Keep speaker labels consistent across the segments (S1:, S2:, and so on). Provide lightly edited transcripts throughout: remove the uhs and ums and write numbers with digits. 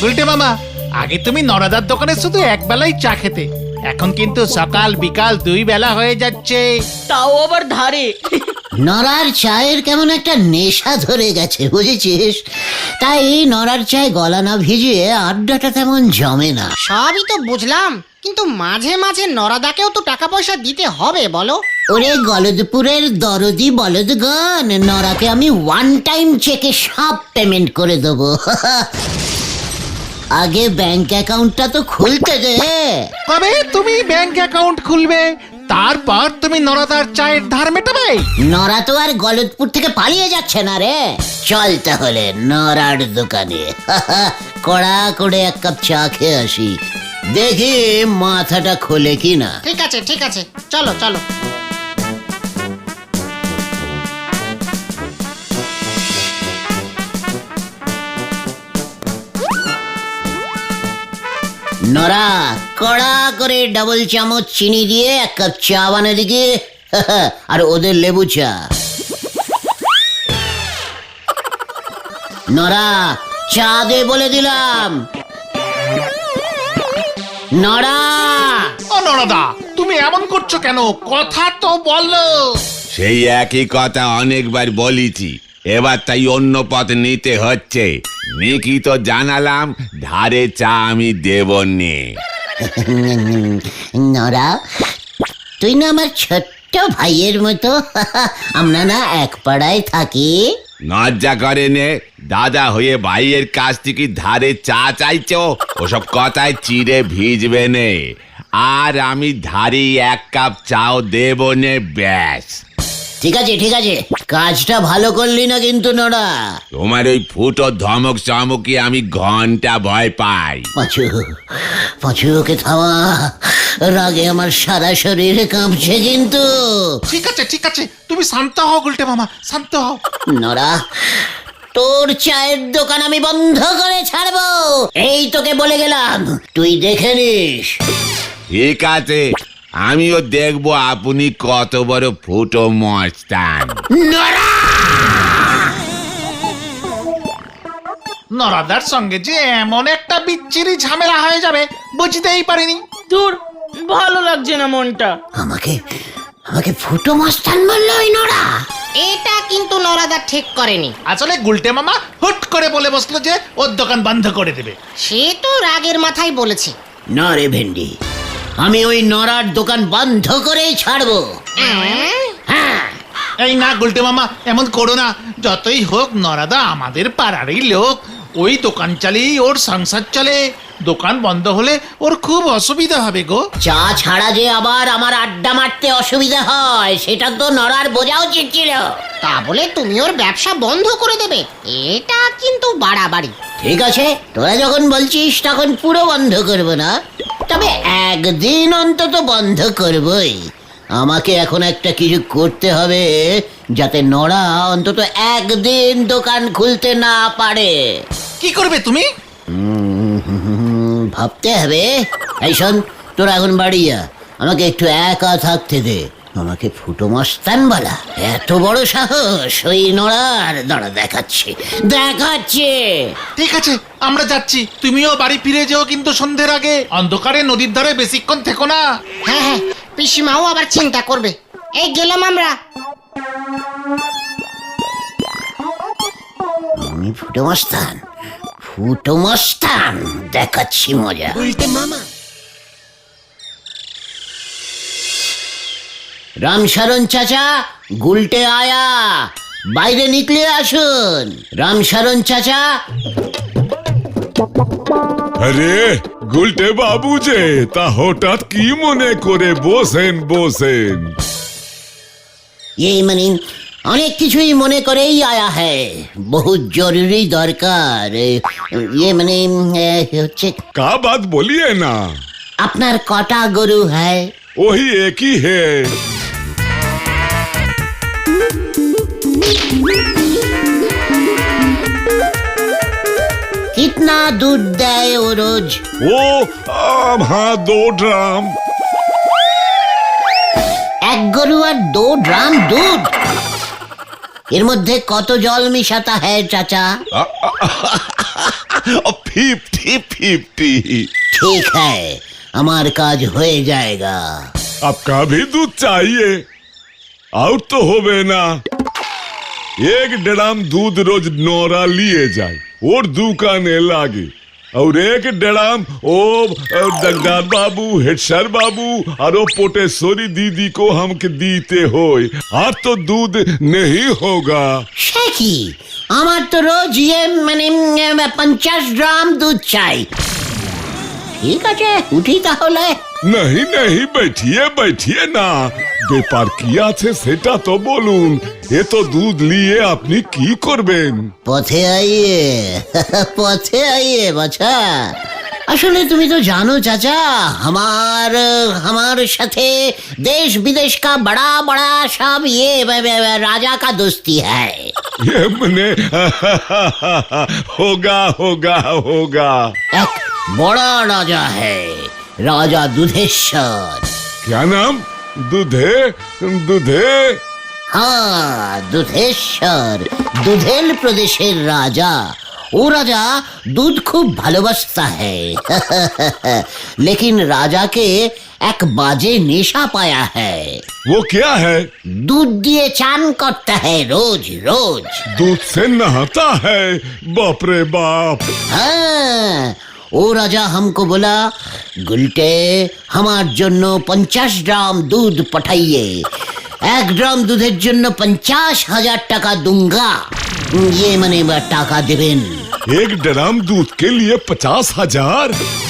S1: গুলটে মামা, আগে তুমি নরাদার দোকানে শুধু এক বেলাই চা খেতে, এখন কিন্তু সকাল বিকাল 2 বেলা হয়ে যাচ্ছে।
S2: তাও আবার ধারে।
S3: নরার চায়ের কেমন একটা নেশা ধরে গেছে বুঝেছিস, তাই নরার চায় গলা না ভিজিয়ে আড্ডাটা তেমন জমে না।
S4: সবই তো বুঝলাম, কিন্তু মাঝে মাঝে নরাদাকেও তো টাকা পয়সা দিতে হবে বলো।
S3: ওরে গলদপুরের দরদি বলদগণ, নরাকে আমি ওয়ান টাইম চেকে সব পেমেন্ট করে দেবো। আগে ব্যাংক অ্যাকাউন্টটা তো খুলতে দে।
S1: তবে তুমি ব্যাংক অ্যাকাউন্ট খুলবে, তারপর তুমি নরাদার চায়ের ধার মেটাবে।
S3: নরা তো আর গলদপুর থেকে পালিয়ে যাচ্ছে না রে। চল তাহলে নরার দোকানে কড়া করে এক কাপ চা খেয়ে আসি, দেখি মাথাটা খোলে কিনা।
S4: ঠিক আছে ঠিক আছে, চলো চলো।
S3: নরা, কড়া করে ডাবল চামচ চিনি দিয়ে এক কাপ চা বানিয়ে দিকে, আর ওদের লেবু চা। নরা, চা দে বলে দিলাম। নরা,
S1: ও নরাদা, তুমি এমন করছো কেন? কথা তো বলো।
S5: সেই একই কথা অনেকবার বলেছি, এবার তাই অন্য পথ নিতে হচ্ছে। নিকি তো জানালাম ধারে চা আমি দেব নে।
S3: নরা, তুই না আমার ছোট্ট ভাইয়ের মতো, আমরা না এক পাড়ায় থাকি।
S5: লজ্জা করে নে, দাদা হয়ে ভাইয়ের কাছ থেকে ধারে চা চাইছো? ওসব কথায় চিড়ে ভিজবে নে, আর আমি ধারে এক কাপ চাও দেব নে, ব্যাস।
S3: ঠিক আছে ঠিক আছে, কাজটা ভালো করলি না কিন্তু নরা।
S5: তোমার ওই ফুটো ধমক চমকে আমি ঘন্টা ভয় পাই।
S3: পাঁচু, পাঁচু ওকে থামা, রাগে আমার সারা শরীর কাঁপছে কিন্তু।
S1: ঠিক আছে ঠিক আছে, তুমি শান্ত হও গুলটে মামা, শান্ত হও।
S3: নরা, তোর চায়ের দোকান আমি বন্ধ করে ছাড়বো, এই তোকে বলে গেলাম, তুই দেখে নিস।
S5: ঠিক আছে, আমিও দেখবো আপনি কত বড় ফুটো মস্তান।
S1: নরাদার সঙ্গে যে এমন একটা বিচ্ছিরি ঝামেলা হয়ে যাবে বুঝতেই পারিনি।
S2: দূর, ভালো লাগছে না মনটা।
S3: আমাকে আমাকে ফুটো মস্তান বললো ওই নরা।
S4: এটা কিন্তু নরাদা ঠিক করেনি।
S1: আসলে গুলটে মামা হুট করে বলে বসলো যে ওর দোকান বন্ধ করে দেবে।
S4: সে তো রাগের মাথায় বলেছে।
S3: না রে ভেন্ডি, আমি ওই নরার দোকান বন্ধ করেই ছাড়বো। হ্যাঁ,
S1: এই না গুলটে মামা, এমন করো না। যতই হোক নরাদা আমাদের পাড়ারই লোক, ওই দোকান চালিয়ে ওর সংসার চলে। দোকান বন্ধ হলে ওর খুব অসুবিধা হবে গো।
S3: চা ছাড়া যে আবার আমার আড্ডা মারতে অসুবিধা হয়, সেটা তো নরার বোঝা উচিত ছিল।
S4: তা বলে তুমি ওর ব্যবসা বন্ধ করে দেবে, এটা কিন্তু বাড়াবাড়ি।
S3: ঠিক আছে, তোরা যখন বলছিস তখন পুরো বন্ধ করব না, তবে একদিন অন্তত বন্ধ করবই। আমাকে এখন একটা কিছু করতে হবে, যাতে নরা অন্তত একদিন দোকান খুলতে না পারে।
S1: কি করবে তুমি?
S3: ভাবতে হবে। এই শোন, তোরা এখন বাড়ি যা, আমাকে একটু একা থাকতে দে। আমাকে ফুটো মস্তান বলা এত বড় সাহস ওই নড়ার? দাঁড়া, দেখাচ্ছে দেখাচ্ছে।
S1: ঠিক আছে, আমরা যাচ্ছি। তুমিও বাড়ি ফিরে যেও কিন্তু সন্ধ্যের আগে। অন্ধকারে নদীর ধারে বেশিক্ষণ থেকো না।
S4: হ্যাঁ হ্যাঁ, পিসিমাও আবার চিন্তা করবে। এই গেলাম আমরা।
S3: আমি ফুটো মস্তান, ফুটো মস্তান, দেখাচ্ছি মজা। রামশরণ চাচা, গুলটে আয়া, বাইরে নিকলে আসুন। রামশরণ চাচা।
S6: আরে গুলটে বাবু যে, তা হঠাৎ কি মনে করে? বসেন বসেন।
S3: ये মানে অনেক কিছুই মনে করেই আয়া হ্যায়, বহুত জরুরি দরকার। ये মানে হচ্ছে,
S6: का बात बोलिए ना।
S3: আপনার কটা গরু হ্যায়?
S6: वही एक ही है।
S3: कितना दूध দেয় ও রোজ?
S6: वो हाँ 2 ड्राम।
S3: এক গরু আর 2 ড্রাম দুধ? এর মধ্যে কত জল মিশাতা হ্যায় চাচা?
S6: 50-50।
S3: ठीक है, हमार काज হয়ে जाएगा।
S6: आपका भी दूध चाहिए? आउट तो होवे ना। 1 ड्राम दूध रोज नौरा लिए जाए और दुकाने लागे, और 1 ड्राम ओ जगदार बाबू, हेडसर बाबू और ओ पोटेश्वरी दीदी को हमके दीते होए, और तो दूध नहीं होगा।
S3: সে কি, আমার তো রোজ 50 গ্রাম দুধ চাই। ঠিক আছে, উঠি তাহলে।
S6: नहीं नहीं, बैठिए बैठिए ना, ব্যাপার কি আছে সেটা তো বলুন। এ তো দুধ নিয়ে আপনি কি করবেন?
S3: পথে আইয়ে পথে আইয়ে বাছা। আসলে তুমি তো জানো চাচা, हमार সাথে देश विदेश का बड़ा बड़ा सब ये राजा का दोस्ती है।
S6: ये मने होगा होगा होगा।
S3: एक बड़ा राजा है, राजा दुधेश्वर।
S6: क्या नाम? दूधे दूधे?
S3: हाँ, দুধেশ্বর, দুধেল প্রদেশের রাজা। ও রাজা दूध खूब ভালোবাসता है लेकिन राजा के एक बाजे नेशा पाया है।
S6: वो क्या है?
S3: दूध दिए चान करता है रोज रोज।
S6: दूध से नहाता है? बाप रे बाप।
S3: हाँ, ও রাজা हमको बोला, गुलटे हमार জন্য 50 গ্রাম दूध पठाइए, 1 গ্রাম দুধের জন্য 50,000 টাকা दूंगा। ये মানে টাকা দেবেন।
S6: 1 ड्राम दूध के लिए 50,000?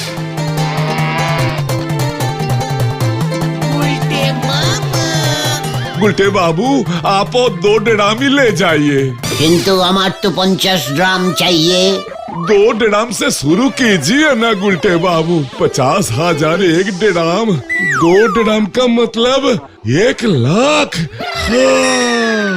S6: गुलटे बाबू, आप 2 ड्राम ही ले जाइए।
S3: কিন্তু আমার তো 50 গ্রাম चाहिए।
S6: 2 ड्राम से शुरू कीजिए ना गुलटे बाबू। 50,000 1 ड्राम, 2 ड्राम का मतलब 1 लाख। हाँ।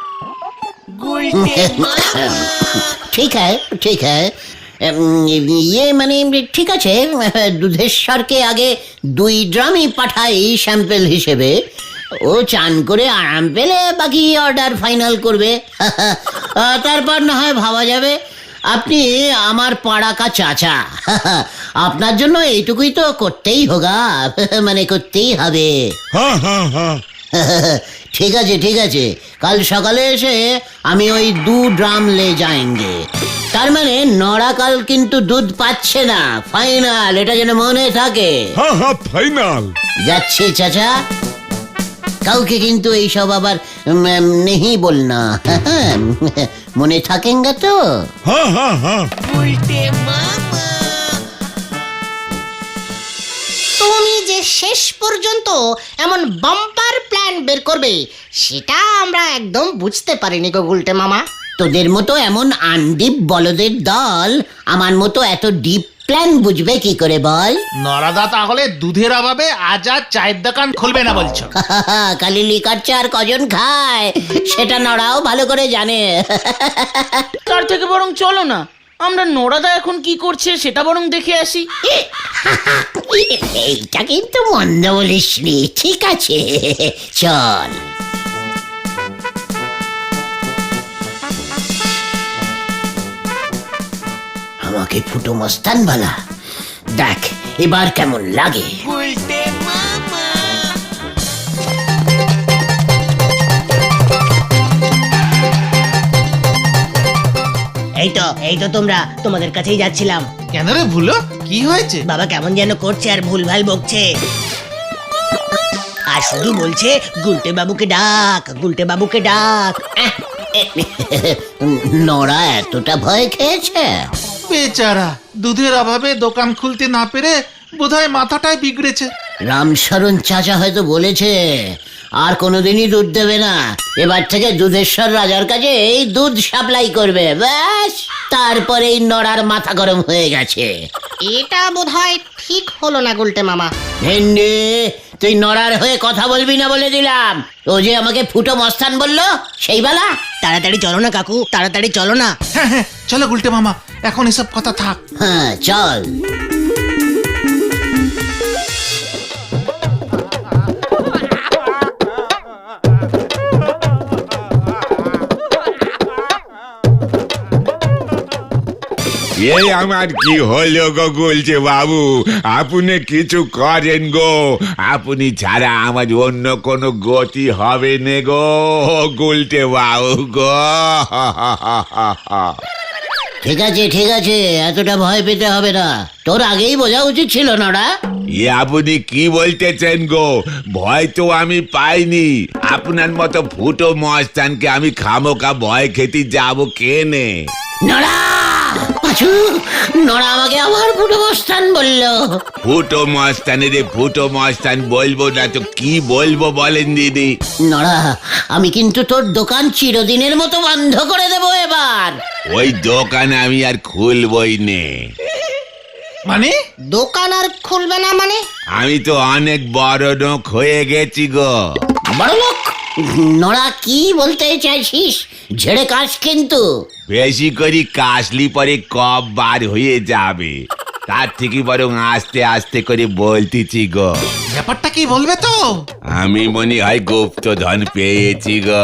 S3: ঠিক है ঠিক है, ये মানে ঠিক আছে, দুধেশ্বরকে আগে 2 ড্রামই পাঠাই স্যাম্পল হিসেবে। ও চান করে আরাম পেলে বাকি অর্ডার ফাইনাল করবে। তারপর না হয় ভাবা যাবে। আপনি আমার পাড়া কা চাচা, আপনার জন্য এইটুকুই তো করতেই হোগা, মানে করতেই হবে।
S6: हाँ हाँ हाँ।
S3: ঠিক আছে ঠিক আছে, কাল সকালে এসে আমি ওই 2 ড্রাম লে যাएंगे। তার মানে নড়া কাল কিন্তু দুধ পাচ্ছে না, ফাইনাল, এটা যেন মনে থাকে।
S6: हाँ हाँ फाइनल।
S3: যাচ্ছি চাচা, কাউকে কিন্তু এইসব আবার নেই বলনা, মনে থাকেঙ্গা তো?
S6: हाँ हाँ हाँ।
S4: তুমি যে শেষ পর্যন্ত এমন বাম্পার প্ল্যান বের করবে সেটা আমরা একদম বুঝতে পারিনি গো গুলটে মামা।
S3: তোদের মতো এমন আনডিপ বলদের দল আমার মতো এত ডিপ প্ল্যান বুঝবে কি করে বল?
S1: নরাদা তাহলে দুধের অভাবে আজ আর চায়ের দোকান খুলবে না বলছো?
S3: খালি লিকার চা আর কজন খায় সেটা নড়াও ভালো করে জানে।
S2: তার থেকে বরং চলো না, আমরা নোরাদা এখন কি করছে সেটা বরং দেখে আসি।
S3: এইটা কিন্তু মন্দ বলিসনি, ঠিক আছে চল। আমাকে ফুটো মস্তান বলা, দেখ এবার কেমন লাগে।
S7: এই তো তোমরা, তোমাদের কাছেই যাচ্ছিলাম।
S1: কেন রে ভুলো, কি হয়েছে?
S7: বাবা কেমন যেন করছে আর ভুলভাল বকছে, আর শুধু বলছে গুলটে বাবুকে ডাক, গুলটে বাবুকে ডাক।
S3: নড়া এতটা ভয় খেয়েছে?
S1: বেচারা দুধের অভাবে দোকান খুলতে না পেরে বোধহয় মাথাটাই বিগড়েছে।
S3: রামশরণ চাচা হয়তো বলেছে আর কোনোদিনই দুধ দেবে না, এবার থেকে দুধেশ্বর রাজার কাছে এই দুধ সাপ্লাই করবে, ব্যাস। তারপরেই নড়ার মাথা গরম হয়ে গেছে।
S4: এটা বোধহয় ঠিক হলো না গুলটে মামা।
S3: ভেন্ডি, তুই নড়ার হয়ে কথা বলবি না বলে দিলাম। ও যে আমাকে ফুটো মস্তান বললো সেই বেলা।
S7: তাড়াতাড়ি চলো না কাকু, তাড়াতাড়ি চলো না।
S1: হ্যাঁ হ্যাঁ চলো গুলটে মামা, এখন এসব কথা থাক।
S3: হ্যাঁ চল।
S5: এই আমার কি হলো গো গুলছে বাবু, আপনি কিছু করেন গো, আপনি ছাড়া আমার অন্য কোনো গতি হবে নে গো গুলটে বাবু গো।
S3: ঠিক আছে, এতটা ভয় পেতে হবে না। তোর আগেই বোঝা উচিত ছিল নড়া।
S5: এ আপনি কি বলতেছেন গো? ভয় তো আমি পাইনি, আপনার মতো ফুটো মস্তানকে আমি খামোকা ভয় খেতে যাবো কেনে?
S3: নড়া, পাঁচু, নড়া আমাকে আবার ফুটো মস্তান বললো।
S5: ফুটো মস্তানে রে, ফুটো মস্তান বলবো না তো কি বলবো বলেন দিদি?
S3: নড়া, আমি কিন্তু তোর দোকান চিরদিনের মতো বন্ধ করে দেবো এবার।
S5: ওই দোকান আমি আর খুলবই নে।
S1: মানে
S4: দোকান আর খুলবে না মানে?
S5: আমি তো অনেক বড় লোক হয়ে গেছি গো।
S3: বড় লোক? নড়া কি বলতে চাইছিস? ঝেড়ে কাশ কিন্তু।
S5: বেশি করে কাশলি পরে কব বার হয়ে যাবে, তার থেকে বরং আস্তে আস্তে করে বলতেছি গো।
S1: ব্যাপারটা কি বলবে তো?
S5: আমি মনে হয় গুপ্তধন পেয়েছি গো।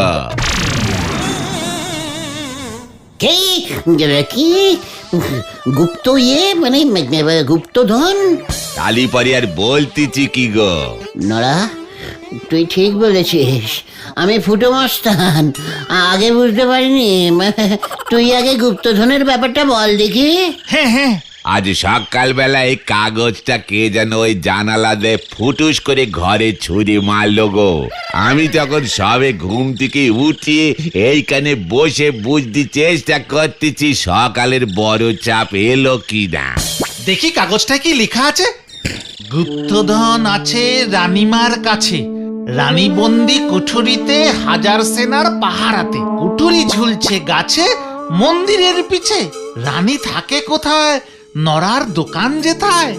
S3: কি কি গুপ্ত মানে গুপ্তধন?
S5: তালি পরে আর বলতেছি কি গো।
S3: নড়া, তুই ঠিক বলেছিস, আমি ফুটো মস্তান, আগে বুঝতে পারিনি। তুই আগে গুপ্তধনের ব্যাপারটা বল দেখি।
S1: হ্যাঁ,
S5: আজ সকালবেলা এই কাগজটা কে যেন ওই জানালা দিয়ে ফুটুস করে ঘরে ছুরি মারলো গো। আমি তখন সবে ঘুম থেকে উঠিয়ে এইখানে বসে বুঝতে চেষ্টা করতেছি সকালের বড় চাপ এলো কি না।
S1: দেখি কাগজটায় কি লেখা আছে। গুপ্তধন আছে রানীমার কাছে, রানী বন্দি কুঠুরিতে, হাজার সেনার পাহারাতে, কুঠুরি ঝুলছে গাছে মন্দিরের পিছে, রানী থাকে কোথায়, নরার দোকান যেথায়।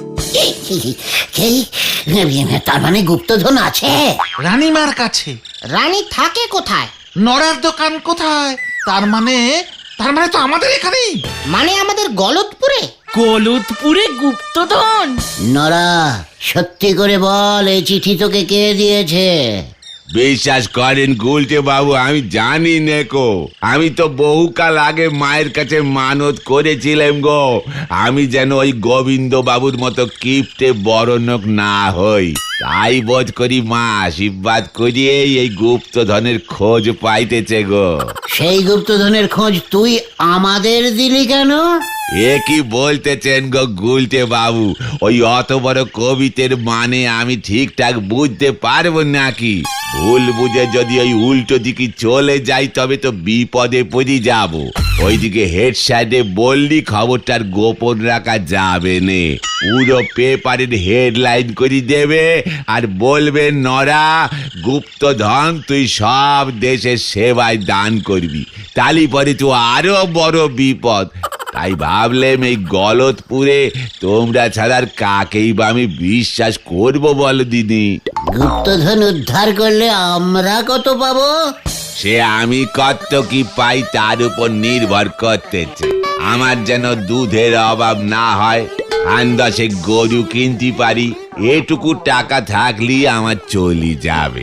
S3: তার মানে গুপ্তধন আছে
S1: রানীমার কাছে,
S4: রানী থাকে কোথায়?
S1: নরার দোকান কোথায়, তার মানে তো আমাদের এখানেই।
S4: মানে আমাদের গলতপুরে?
S2: গলতপুরে গুপ্তধন?
S3: নরা, সত্যি করে বল, এই চিঠি তোকে কে দিয়েছে?
S5: বিশ্বাস করেন গুলটে বাবু, আমি জানি নেকো। আমি তো বহুকাল আগে মায়ের কাছে মানত করেছিলাম গো, আমি যেন ওই গোবিন্দ বাবুর মতো কিপ্টে বড়লোক না হই। তাই বোধ করি মা আশীর্বাদ করিয়ে এই গুপ্তধনের খোঁজ পাইতেছে গো।
S3: সেই গুপ্তধনের খোঁজ তুই আমাদের দিলি কেন?
S5: এ কি বলতেছেন গো গুলটে বাবু? ওই অত বড় কবিতের মানে আমি ঠিকঠাক বুঝতে পারবো নাকি? ভুল বুঝে যদি ওই উল্টো দিকে চলে যাই তবে তো বিপদে পড়ে যাব। ওইদিকে হেড সাইডে বললি খবরটার গোপন রাখা যাবে নে, পুরো পেপারের হেডলাইন করে দেবে আর বলবে নরা গুপ্তধন তুই সব দেশের সেবায় দান করবি, তালি পরে তো আরো বড় বিপদ। তাই ভাবলাম এই গলতপুরে তোমরা ছাড়ার কাকেই বা আমি বিশ্বাস করবো বলো দিদি?
S3: গুপ্তধন উদ্ধার করলে আমরা কত পাবো?
S5: সে আমি কত কি পাই তার উপর নির্ভর করতেছে। আমার যেন দুধের অভাব না হয়, আন্দাজে গরু কিনতে পারি, এটুকু টাকা থাকলেই আমার চলি যাবে।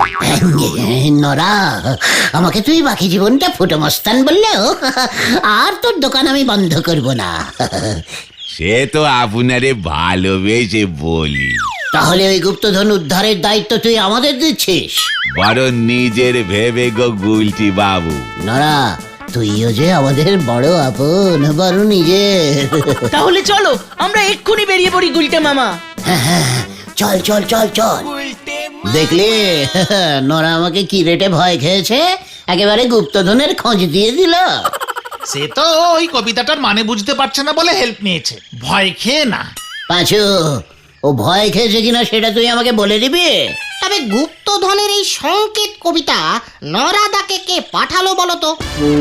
S3: নরা, আমাকে তুই বাকি জীবনটা ফুটো মস্তান বললেও আর তোর দোকান আমি বন্ধ করব না।
S5: সে তো আপনারে ভালোবেসে বলি।
S3: তাহলে ওই গুপ্তধন উদ্ধারের দায়িত্ব তুই আমাদের দিচ্ছিস?
S5: বড় নিজের ভেবে গো গুলটি বাবু।
S3: নরা, তুইও যে আমাদের বড় আপন, বড় নিজের।
S2: তাহলে চলো আমরা এক্ষুনি বেরিয়ে পড়ি গুলটে মামা।
S3: চল চল চল চল। দেখলি নরা আমাকে কি রেটে ভয় খেয়েছে, একেবারে গুপ্তধনের খোঁজ দিয়ে দিল।
S1: সে তো ওই কবিতাটার মানে বুঝতে পারছে না বলে হেল্প নিয়েছে, ভয় খেয়ে না।
S3: পাঁচু, ও ভয় খেয়েছে কিনা সেটা তুই আমাকে বলে দিবি?
S4: তবে গুপ্তধনের এই সংকেত কবিতা নরাদাকে কে পাঠালো বলো তো?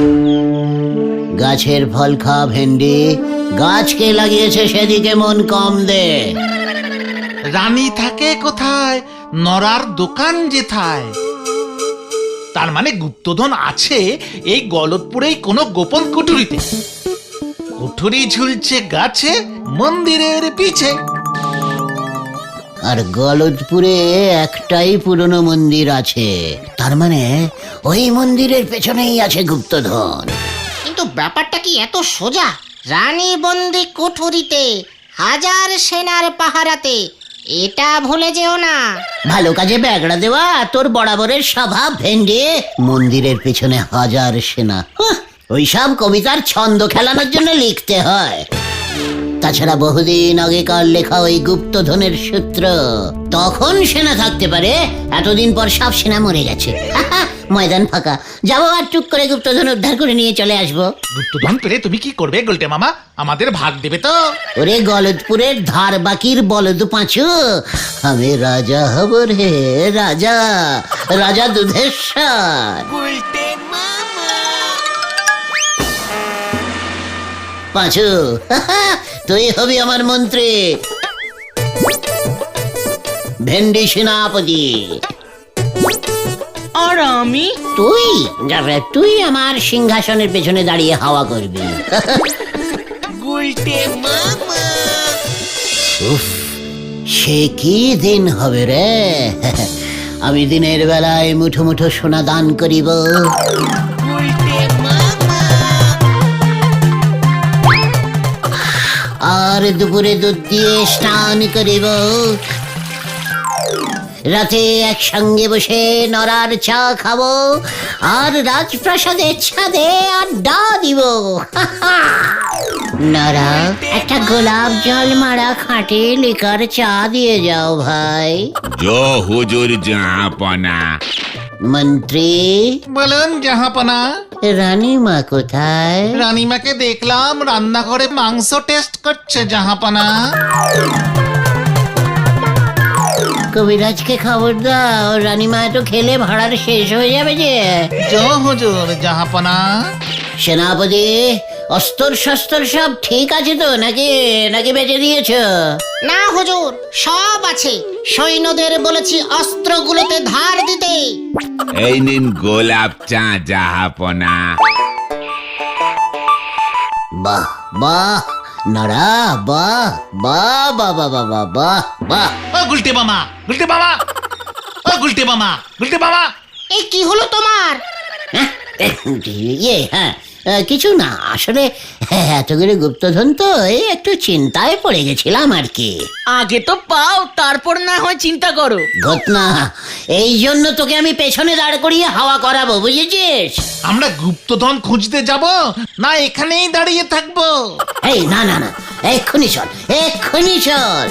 S3: গাছের ফল খা ভেন্ডি, গাছকে লাগিয়েছে সেদিকে মন কম দে।
S1: রানী থাকে কোথায়, নরার দোকান যেথায়, তার মানে গুপ্তধন আছে এই গলতপুরেই কোনো গোপন কুঠুরিতে, কুঠুরি ঝুলছে গাছে মন্দিরের পিছে।
S3: আর গলতপুরে একটাই পুরনো মন্দির আছে, তার মানে ওই মন্দিরের পেছনেই আছে গুপ্তধন।
S4: কিন্তু ব্যাপারটা কি এত সোজা? রানী বন্দি কুঠুরিতে, হাজার সেনার পাহারাতে, এটা ভুলে যেও না।
S3: ভালো কাজে ব্যাগড়া দেওয়া তোর বরাবরের স্বভাব ভেন্ডে। মন্দিরের পেছনে হাজার সেনা, ওইসব কবিতার ছন্দ খেলানোর জন্য লিখতে হয়। তাছাড়া বহুদিন আগেকার লেখা ওই গুপ্তধনের সূত্র, তখন সেনা থাকতে পারে, এতদিন পর সব সেনা মরে গেছে। ময়দান ফাঁকা, যাবো আর টুক করে গুপ্তধন উদ্ধার করে নিয়ে চলে আসবো।
S1: গুপ্তধন পেলে তুমি কি করবে গুলটে মামা? আমাদের ভাগ দেবে তো?
S3: ওরে গলদপুরের ধার বাকির বলদ পাঁচু, আমি রাজা হব রে, রাজা, রাজা দুধেশ্বর। পাঁচু, তুই হবি আমার মন্ত্রী, ভেন্ডি সেনাপতি।
S2: আর আমি?
S3: তুই আমার সিংহাসনের পেছনে দাঁড়িয়ে হাওয়া করবি। উফ, সে কি দিন হবে রে! আমি দিনের বেলায় মুঠো মুঠো সোনা দান করিব, আর দুপুরে দুধ দিয়ে স্নান করিব, রাতে একসঙ্গে বসে নরার চা খাবো, আর রাজপ্রাসাদের ছাদে আড্ডা দিব। নরা, একটা গোলাপ জল মারা খাঁটি লিকার চা দিয়ে যাও ভাই।
S5: জো হুজুর জাহাপনা।
S3: মন্ত্রী,
S1: বলুন জাহাপনা।
S3: রানীমা কোথায়?
S1: রানীমাকে দেখলাম রান্নাঘরে মাংস টেস্ট করছে জাহাপনা।
S3: কবিরাজকে খবর দাও, রানীমা তো খেলে ভাড়ার শেষ হয়ে যাবে যে।
S1: জো হুজুর জাহাপনা।
S3: সেনাপতি, অস্ত্র শস্ত্র সব ঠিক আছে তো, নাকি নাকি বেঁচে দিয়েছো?
S4: না হুজুর, সব আছে। সৈন্যদের বলেছি অস্ত্রগুলোতে ধার দিতে।
S5: এই নিন গোলাপ চা জাহাপনা।
S3: বাহ বাহ নরা, বাহ বাহ বাহ বাহ বাহ বাহ বাহ বাহ।
S1: ও গুলটে মামা, গুলটে মামা, ও গুলটে মামা, গুলটে মামা।
S4: এই কি হলো তোমার?
S3: হ্যাঁ, কিছু না, আসলে এতগুলো গুপ্তধন তো এই একটু চিন্তায় পড়ে গেছিলাম আর কি।
S2: আগে তো পাও, তারপর না হয় চিন্তা করো।
S3: ঘটনা, এই জন্য তোকে আমি পেছনে দাঁড় করিয়ে হাওয়া করাবো, বুঝেছিস?
S1: আমরা গুপ্তধন খুঁজতে যাব না এখানেই দাঁড়িয়ে থাকবো?
S3: এই না না না, এক্ষুনি চল, এক্ষুনি চল।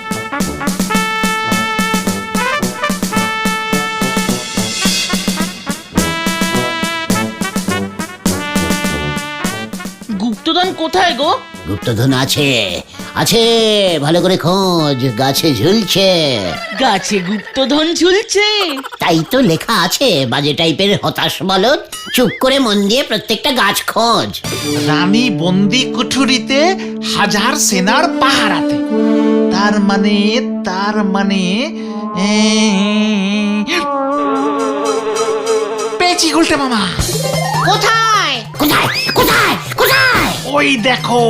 S2: গুপ্তধন কোথায় গো?
S3: গুপ্তধন আছে, আছে, ভালো করে খোঁজ, গাছে ঝুলছে।
S2: গাছে গুপ্তধন ঝুলছে?
S3: তাই তো লেখা আছে, বাজে টাইপের হতাশ বলদ, চুপ করে মন দিয়ে প্রত্যেকটা গাছ খোঁজ।
S1: রানী বন্দি কুঠুরিতে, হাজার সেনার পাহারাতে। তার মানে পেয়েছি গুলটে মামা।
S4: কোথায়?
S3: কোথায় কোথায় কোথায়?
S1: ওই দেখো।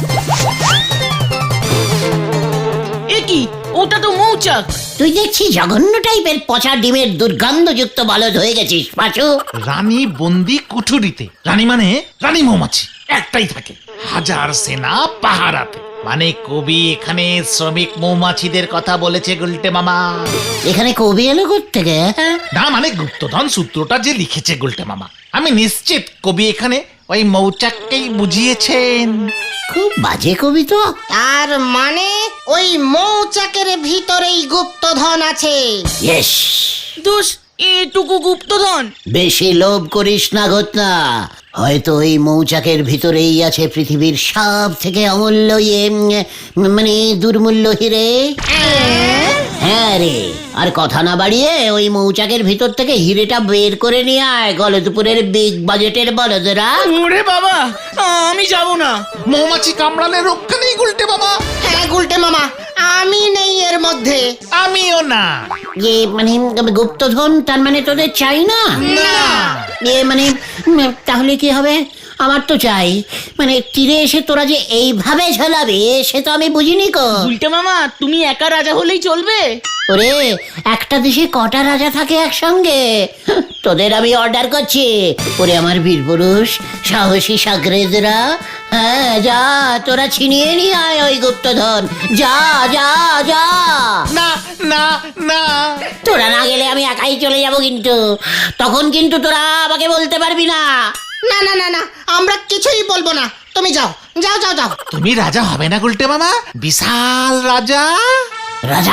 S2: এ কি, ওটা তো মৌচাক।
S3: তুই দেখছি জঘন্য টাইপের পচা ডিমের দুর্গন্ধযুক্ত বলদ হয়ে গেছিস পাঁচু।
S1: রানী বন্দি কুঠুরিতে, রানী মানে রানী মৌমাছি একটাই থাকে, হাজার সেনা পাহারাতে। মানে কবি এখানে শ্রমিক মৌমাছিদের কথা বলেছে গুলটে মামা।
S3: এখানে কবি এলো কোত্থেকে?
S1: না মানে গুপ্তধন সূত্রটা যে লিখেছে গুলটে মামা, আমি নিশ্চিত কবি এখানে ওই মৌচাককেই বুঝিয়েছেন।
S3: খুব বাজে কবি তো।
S4: তার মানে ওই মৌচাকের ভিতরেই গুপ্তধন আছে।
S3: ইয়েস,
S2: দোষ, এটুকু গুপ্তধন।
S3: বেশি লোভ করিস না ঘটনা, হয়তো ওই মৌচাকের ভিতরেই আছে পৃথিবীর সব থেকে অমূল্য মানে দুর্মূল্য হিরে। হ্যাঁ রে, আর কথা না বাড়িয়ে ওই মৌচাকের ভিতর থেকে হিরেটা বের করে নিয়ে আয়, গলদপুরের বিগ বাজেটের বলদরা।
S2: ওরে বাবা, আমি যাব না।
S1: মৌমাছি কামড়ালে রক্ষা নেই গুলটে মামা।
S4: হ্যাঁ গুলটে মামা, আমি নেই এর মধ্যে।
S1: আমিও না।
S3: মানে গুপ্তধন তার মানে তোদের চাই না?
S1: না।
S3: মানে তাহলে কি হবে? আমার তো চাই, মানে তীরে এসে তোরা যে এইভাবে ঝোলাবে সে তো আমি বুঝিনি কো।
S2: গুলটে মামা তুমি একা রাজা হলেই চলবে?
S3: ওরে, একটা দেশে কটা রাজা থাকে একসঙ্গে? তোদের আমি অর্ডার করছি, ওরে আমার বীর পুরুষ সাহসী সাগরেদরা, হ্যাঁ যা, তোরা ছিনিয়ে নিয়ে আয় ওই গুপ্তধন, যা যা যা।
S1: না না না,
S3: তোরা না গেলে আমি একাই চলে যাব, কিন্তু তখন কিন্তু তোরা আমাকে বলতে পারবি না।
S4: না না না না, আমরা কিছুই বলবো না, তুমি যাও যাও যাও যাও।
S1: তুমি রাজা হবে না গুলটে মামা? বিশাল রাজা।
S3: রাজা?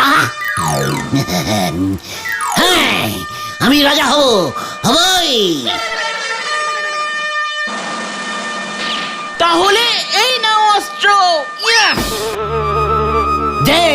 S3: হ্যাঁ, আমি রাজা হবই।
S2: তাহলে এই নাও অস্ত্র। ইয়া!
S3: দে।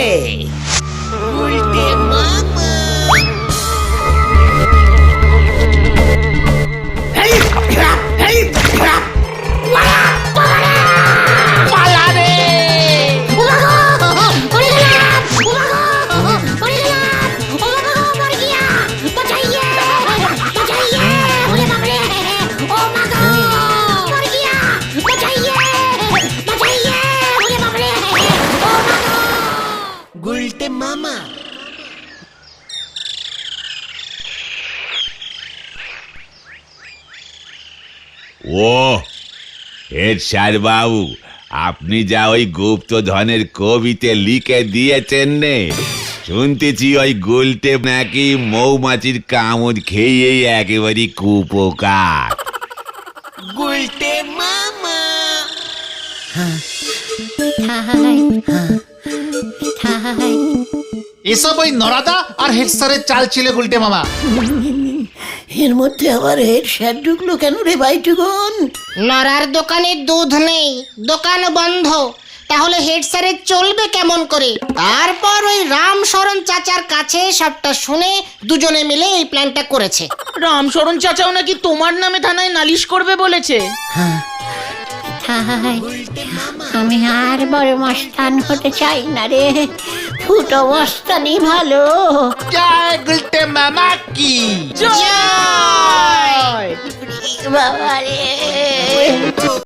S5: ও হেড স্যার বাবু, আপনি যা ওই গুপ্তধনের কবিতে লিখে দিয়েছেন নে, শুনতেছি ওই গুলটে নাকি মৌমাছির কামড় খেয়েই একেবারে কুপোকার।
S1: এসব ওই নরাদা আর হেড স্যারের চাল ছিল গুলটে মামা।
S3: এর মধ্যে আবার হেড স্যার ঢুকলো কেন রে ভাইটুকুন?
S4: নরার দোকানে দুধ নেই, দোকান বন্ধ, তাহলে হেড স্যারের চলবে কেমন করে? তারপর ওই রামশরণ চাচার কাছে সবটা শুনে দুজনে মিলে এই প্ল্যানটা করেছে।
S2: রামশরণ চাচাও নাকি তোমার নামে থানায় নালিশ করবে বলেছে।
S3: আমি আর বড় মস্তান হতে চাই না রে, ফুটো মস্তানি ভালো।
S1: জয় গুলটে মামা কি
S2: জয়!
S3: বাবা রে।